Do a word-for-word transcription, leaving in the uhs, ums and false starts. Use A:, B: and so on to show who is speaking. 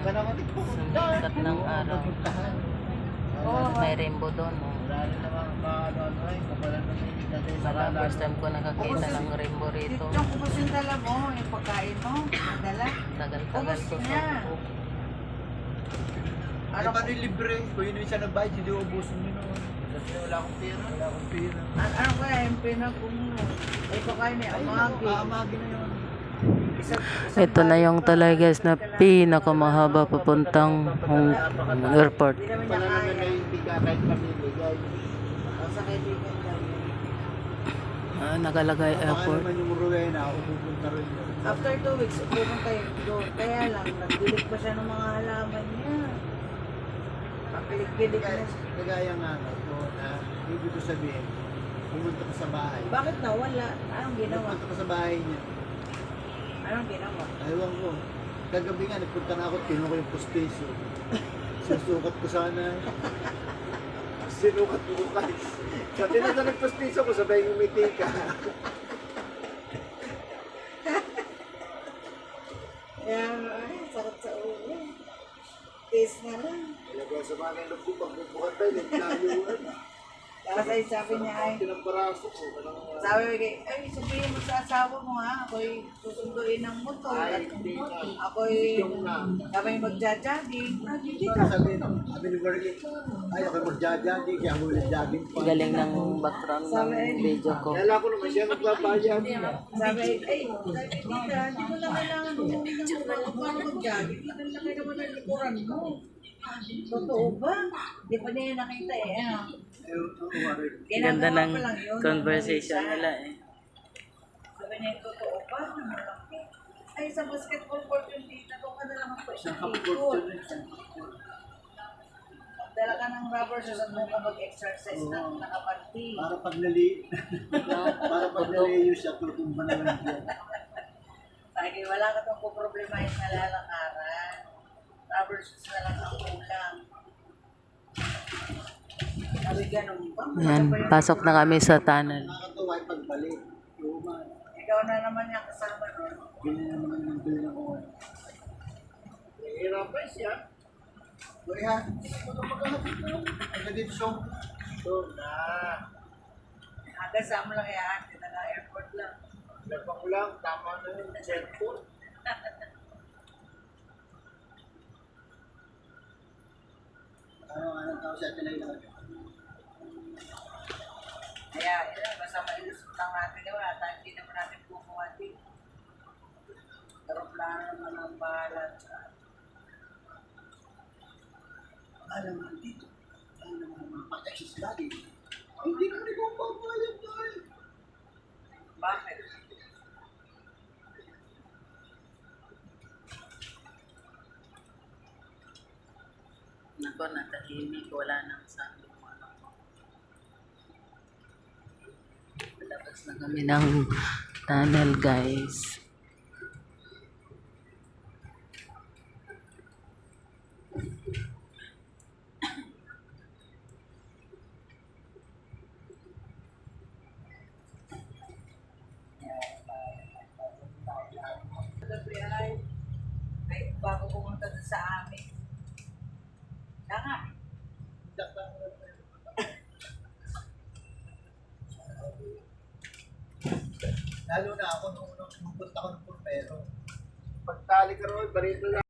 A: Sumikat ng araw.
B: Oo.
A: May rainbow doon. Oh. Wala, first time ko nakakita ng rainbow rito.
B: Yung ubos yung dala mo, yung pagkain mo, yung dala.
A: Tagal-tagal ko.
B: Ubos niya.
C: Ano pa rin libre? Kung yun yung isa nagbayad, hindi ubusin nyo noon. Kasi wala akong pera. Wala akong pera.
B: An ano kaya yung pinag-kung ay pagkain ni Amagi.
C: Amagi na yun.
B: Isang, isang
A: Ito na yung talay guys na pinakamahaba papuntang Hong airport.
B: Hindi naman niya
C: Wala naman
B: kaya.
C: na hindi ka kahit mamimigay.
B: Sa kaibigan niya.
A: Ah, nakalagay
C: Baka
A: airport.
C: naman yung Rowena, pupunta rin yun.
B: After two weeks, pupunta kayo doon. Kaya lang, nagdilig pa siya ng mga halaman niya. Pakilig-gilig na siya.
C: Kagaya nga nga po na ibig ko sabihin, pumunta ka sa bahay.
B: Bakit nawala? Anong ginawa?
C: Pumunta ka sa bahay niya.
B: Anong ginawa?
C: Ayaw ko. Kagabi nga, nagpunta na ako, kinuha ko yung pustiso. Susukat ko sana. Sinukat ko guys. Sa tinata nagpustiso ko, sabay ngumiti ka.
B: Kaya, ay, sakit sa ulo. Taste na lang.
C: Ilagay sa mga nilog ko, pagbubukat tayo, naglayuan.
B: Kasi sabi niya ay,
C: Pinamparaso ko. walang-
B: sabi ko, ay, sabihin mo sa asawa mo ha, ako'y susunduin ng motor.
C: Ay,
B: At
C: hindi na.
B: ako'y
C: Yung na.
B: kami magja-jogging. Ah, hindi
C: Ito
B: ka.
C: na sabihin, sabi ni Berlin, ay ako magja-jogging, kaya ako nag-jogging pa.
A: Galing ng background ng video ko.
C: Kaya ko naman siya nagbabayad.
B: Sabi, ay, sabi tita, hindi mo na kailangan umuwi ng motor para mag-jogging. Laki-laki naman ang likuran mo. Totoo ba? Hindi pa niya nakita eh. Ano?
A: Ganda
B: Ginagawa
A: ng
B: ko lang yun.
A: conversation nila eh.
B: Sabi niya, totoo ba? Malaki. Ay, sa basketball court yung tita, doon ka na lang ako sa keyboard. Magdala ka ng rubber shoes at mo ka mag-exercise ng nakapanti.
C: Para pag nali, para pag naliyo siya, tutumba naman siya.
B: Sabi, wala ka itong kuproblemahin na lalakaran. Rubber shoes na lang ang kulang. Sabi, ganun ba?
A: Ayan, pasok na kami sa tunnel.
C: Nakakatawa yung pagbalik. Luma.
B: Ikaw na naman yung kasama nun.
C: Ganyan naman yung bill ng oil. Hirapan siya. Uy ha, ano magkakapit mo? Ano dito siya? So, na.
B: Agasama lang yan. Kita na airport lang.
C: Nagpa ko lang, tama na yung cellphone. Ano, anong tao siya tinay lang?
B: Kaya, yun, basta mailusot lang natin yun. At hindi naman natin kumuha din. Aeroplano naman ang bahala.
C: Alam mo, dito. Alam mo, mga pag-exercise lagi. Hindi naman ikaw papayag tayo.
B: Bakit?
A: Nako, natahimik. Wala nang sabi mo ano ko. Labas na kami ng tunnel guys.
B: Gabi ay, ay, bago pumunta doon sa amin. Kaya nga,
C: Lalo na ako nung unang pumunta ko ng Purpero. Pagtali ka ron, barito lang.